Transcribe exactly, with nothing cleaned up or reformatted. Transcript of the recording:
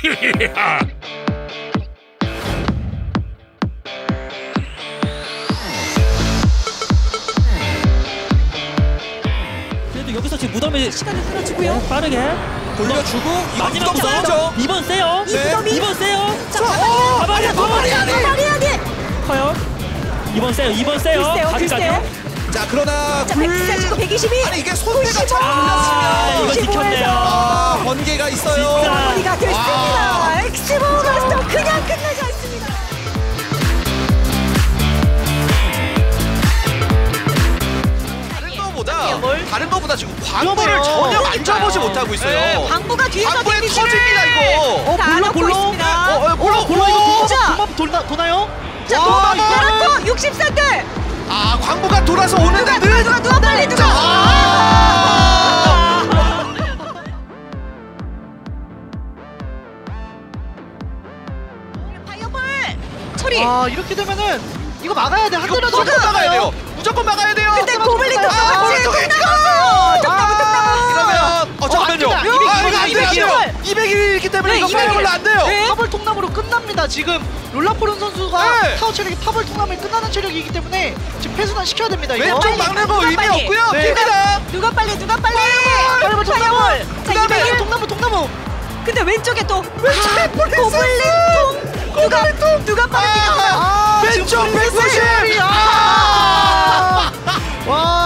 그래도 여기서 지금 무덤에 시간이 흐려지고요. 네, 빠르게 돌려주고 마지막 무덤 무덤. 써야죠. 이번 세요. 네. 이번 세요. 자, 어, 가만히 더 많이 해야 돼. 말해야 돼. 커요. 이번 세요. 이번 세요. 글쎄요, 가기까지요. 자, 그러나 자, 불 백사십구, 백이십이. 아니 이게 손대가 잘 아, 이거 올랐으면 지켰네요. 아, 번개가 있어요. 진짜. 마무리가 됐습니다. 엑스보 마스터 그냥 끝나지 않습니다. 다른 거보다 다른 거보다 지금 광부를 전혀 만져보지 못하고 있어요. 네, 광부가 뒤에서 광부에 데미지를 터집니다 이거. 어, 자, 볼로, 넣고 볼로. 있습니다. 어, 어, 볼로, 볼로 이거 자. 도마 도나 도나요? 자, 와, 도마고 육십사 대. 아, 광부가 돌아서 오는데 누가 누가 누가 빨리 누가. 아! 파이어볼 처리. 아, 이렇게 되면은 이거 막아야 돼. 한 이거 대라도 무조건 막아야 막아요. 돼요. 무조건 막아야 돼요. 근데 고블린 아, 똑같이 오른쪽에 똑나무 똑나무 똑나무. 이러면 어 잠깐만요. 안 된다. 아, 이거 안 이백일. 돼요. 이백일이기 때문에 네, 이거 이백일. 파이어볼로 안 돼요. 네. 파벌 통나무로 끝납니다. 지금 롤라포른 선수가 네. 타워 체력이 파벌 통나무에 끝나는 체력이기 때문에 지금 패순환 시켜야 됩니다. 이거. 왼쪽 막는 거 누가 의미 빨리. 없고요. 네. 깁니다. 누가 빨리 누가 빨리. 파이어볼 통나무. 파이어볼. 자, 그다음에 이백일. 통나무 통나무. 근데 왼쪽에 또 왼쪽에 폴리스. 고블린 통. 누가 누가 빠르게 아, 가. 왼쪽 백구십. 아! 와,